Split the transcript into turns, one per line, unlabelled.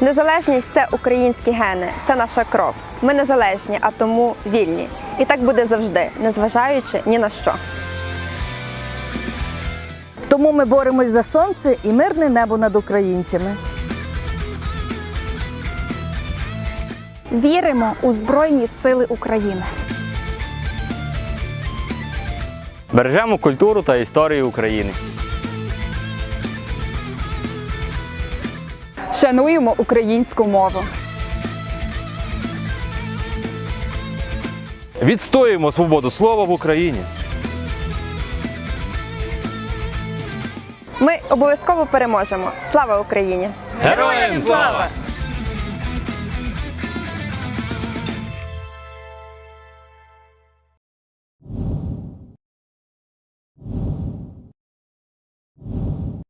Незалежність – це українські гени, це наша кров. Ми незалежні, а тому вільні. І так буде завжди, незважаючи ні на що.
Тому ми боремось за сонце і мирне небо над українцями.
Віримо у Збройні Сили України.
Бережемо культуру та історію України.
Шануємо українську мову.
Відстоюємо свободу слова в Україні.
Ми обов'язково переможемо. Слава Україні!
Героям слава!